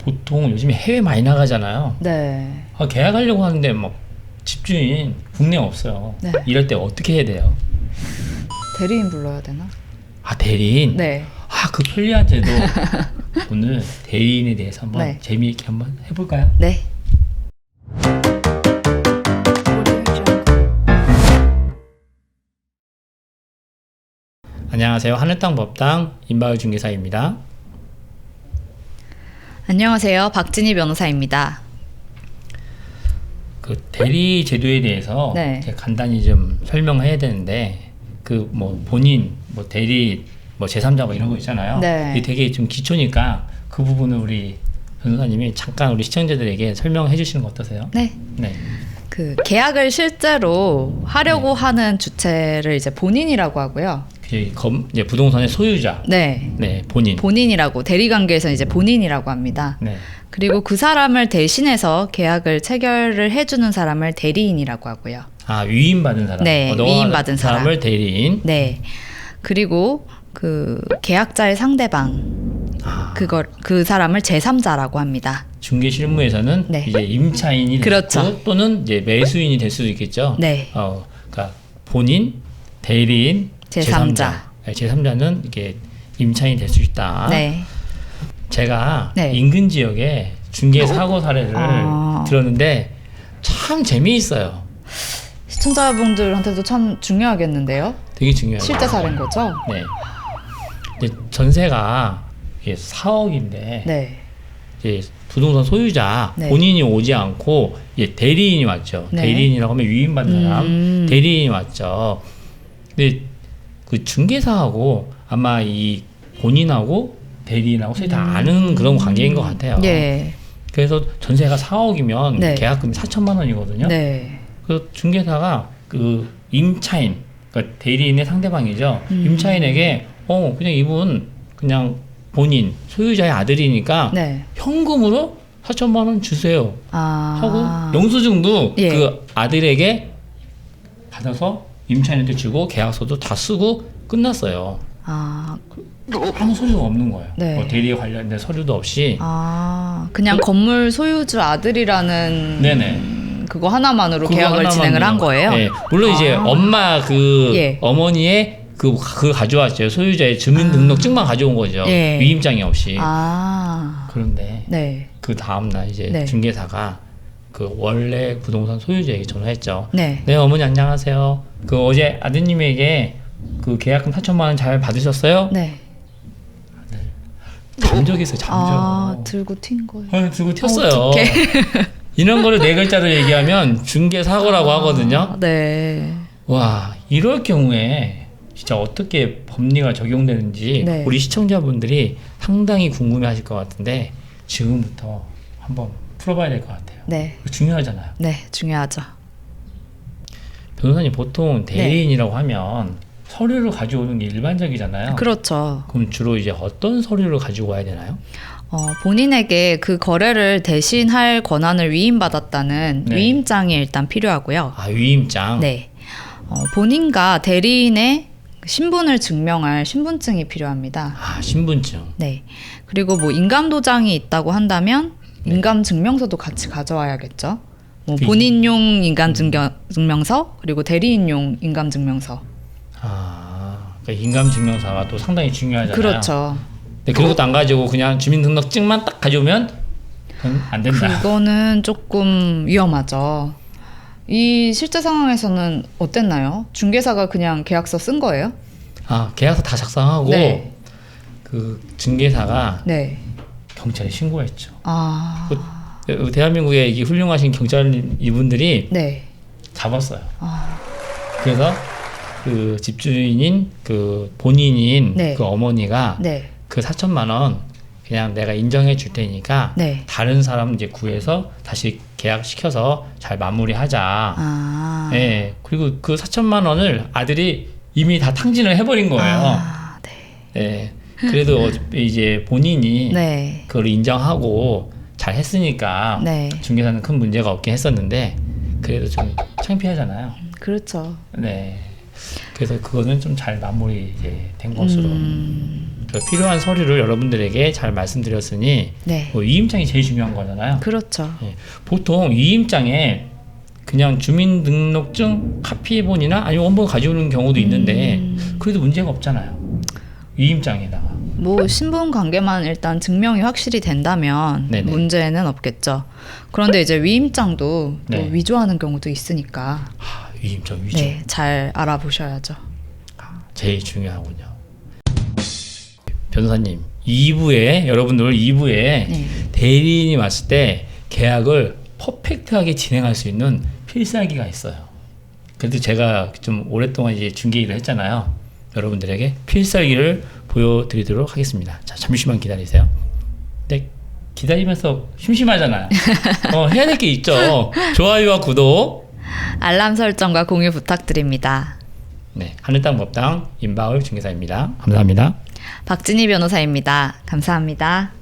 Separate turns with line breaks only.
보통 요즘에 해외 많이 나가잖아요.
네.
계약하려고 하는데 막 집주인 국내 없어요.
네.
이럴 때 어떻게 해야 돼요?
대리인 불러야 되나?
대리인?
네.
그 편리한 제도. 오늘 대리인에 대해서 한번
네.
재미있게 한번 해볼까요?
네.
안녕하세요. 하늘땅 법당 임바울 중개사입니다.
안녕하세요. 박진희 변호사입니다.
그 대리 제도에 대해서
네.
제가 간단히 좀 설명해야 되는데 그 뭐 본인, 뭐 대리, 뭐 제3자 뭐 이런 거 있잖아요.
네.
이게 되게 좀 기초니까 그 부분을 우리 변호사님이 잠깐 우리 시청자들에게 설명해 주시는 거 어떠세요?
네.
네.
그 계약을 실제로 하려고 하는 주체를 이제 본인이라고 하고요.
이제 부동산의 소유자.
네.
네, 본인.
본인이라고 대리 관계에서는 이제 본인이라고 합니다.
네.
그리고 그 사람을 대신해서 계약을 체결을 해주는 사람을 대리인이라고 하고요.
위임받은 사람.
네, 위임받은
사람을 대리인.
네. 그리고 그 계약자의 상대방 그 사람을 제3자라고 합니다.
중개 실무에서는
네.
이제 임차인이
그렇죠.
됐고 또는 이제 매수인이 될 수도 있겠죠.
네.
그러니까 본인, 대리인,
제3자.
네, 제3자는 이게 임차인이 될 수 있다.
네.
제가
네.
인근 지역에 중개 사고 사례를 들었는데 참 재미있어요.
시청자분들한테도 참 중요하겠는데요.
되게 중요해요.
실제 사례인 거죠?
네. 이제 전세가 이게 4억인데
네.
이제 부동산 소유자
네.
본인이 오지 않고 이제 대리인이 왔죠.
네.
대리인이라고 하면 위임받는 사람 대리인이 왔죠. 근데 그 중개사하고 아마 이 본인하고 대리인하고 서로 다 아는 그런 관계인 것 같아요.
네.
그래서 전세가 4억이면
네.
계약금이 4천만 원이거든요.
네.
그래서 중개사가 그 임차인, 그러니까 대리인의 상대방이죠. 임차인에게 그냥 이분 그냥 본인 소유자의 아들이니까
네.
현금으로 4천만 원 주세요 하고 영수증도
예.
그 아들에게 받아서 임차인한테 주고 계약서도 다 쓰고 끝났어요. 아무 서류가 없는 거예요.
네.
뭐 대리에 관련된 서류도 없이.
그냥 건물 소유주 아들이라는
네네.
그거 하나만으로
그거
계약을
하나만
진행을 한 거예요?
네. 물론 이제 엄마
예.
어머니의 그 가져왔죠. 소유자의 주민등록증만 가져온 거죠.
예.
위임장이 없이. 그런데
네.
그 다음날 이제
네.
중개사가 그 원래 부동산 소유자에게 전화했죠.
네.
네, 어머니 안녕하세요. 그 어제 아드님에게 그 계약금 4천만 원 잘 받으셨어요?
네.
잠적했어요. 잠적.
들고 튄 거예요.
들고 튀었어요.
어떡해.
이런 거를 네 글자로 얘기하면 중개 사고라고 하거든요.
네.
와, 이럴 경우에 진짜 어떻게 법리가 적용되는지
네.
우리 시청자분들이 상당히 궁금해하실 것 같은데 지금부터 한번 풀어봐야 될 것 같아요.
네.
중요하잖아요.
네, 중요하죠.
변호사님 보통 대리인이라고 하면 서류를 가져오는 게 일반적이잖아요.
그렇죠.
그럼 주로 이제 어떤 서류를 가지고 와야 되나요?
본인에게 그 거래를 대신할 권한을 위임받았다는
네.
위임장이 일단 필요하고요.
위임장.
네. 본인과 대리인의 신분을 증명할 신분증이 필요합니다.
신분증.
네. 그리고 뭐 인감도장이 있다고 한다면 인감증명서도 같이 가져와야겠죠. 뭐 본인용 인감증명서 그리고 대리인용 인감증명서.
그러니까 인감증명서가 또 상당히 중요하잖아요.
그렇죠.
네, 그런 것도 안 가지고 그냥 주민등록증만 딱 가져오면 그건 안 된다.
그거는 조금 위험하죠. 이 실제 상황에서는 어땠나요? 중개사가 그냥 계약서 쓴 거예요?
계약서 다 작성하고
네.
그 중개사가
네.
경찰에 신고했죠. 대한민국의 이 훌륭하신 경찰 이분들이
네.
잡았어요. 그래서 그 집주인인 그 본인인
네.
그 어머니가
네.
그 4천만 원 그냥 내가 인정해 줄 테니까
네.
다른 사람 이제 구해서 다시 계약시켜서 잘 마무리하자. 예. 그리고 그 4천만 원을 아들이 이미 다 탕진을 해버린 거예요.
네.
예. 그래도 이제 본인이
네.
그걸 인정하고 잘 했으니까
네.
중개사는 큰 문제가 없긴 했었는데 그래도 좀 창피하잖아요.
그렇죠.
네. 그래서 그거는 좀 잘 마무리 이제 된 것으로. 그래서 필요한 서류를 여러분들에게 잘 말씀드렸으니
네.
뭐 위임장이 제일 중요한 거잖아요.
그렇죠.
예. 보통 위임장에 그냥 주민등록증 카피본이나 아니면 원본 가지고 오는 경우도 있는데 그래도 문제가 없잖아요. 위임장에다가.
뭐 신분 관계만 일단 증명이 확실히 된다면
네네.
문제는 없겠죠. 그런데 이제 위임장도 또
네.
위조하는 경우도 있으니까
위임장 위조.
네, 잘 알아보셔야죠.
제일 중요하군요. 변호사님, 2부에 여러분들 2부에
네.
대리인이 왔을 때 계약을 퍼펙트하게 진행할 수 있는 필살기가 있어요. 그래도 제가 좀 오랫동안 이제 중개 일을 했잖아요. 여러분들에게 필살기를 보여드리도록 하겠습니다. 자, 잠시만 기다리세요. 네, 기다리면서 심심하잖아요. 해야 될 게 있죠. 좋아요와 구독.
알람 설정과 공유 부탁드립니다.
네, 하늘땅 법당 임바울 중개사입니다. 감사합니다.
박진희 변호사입니다. 감사합니다.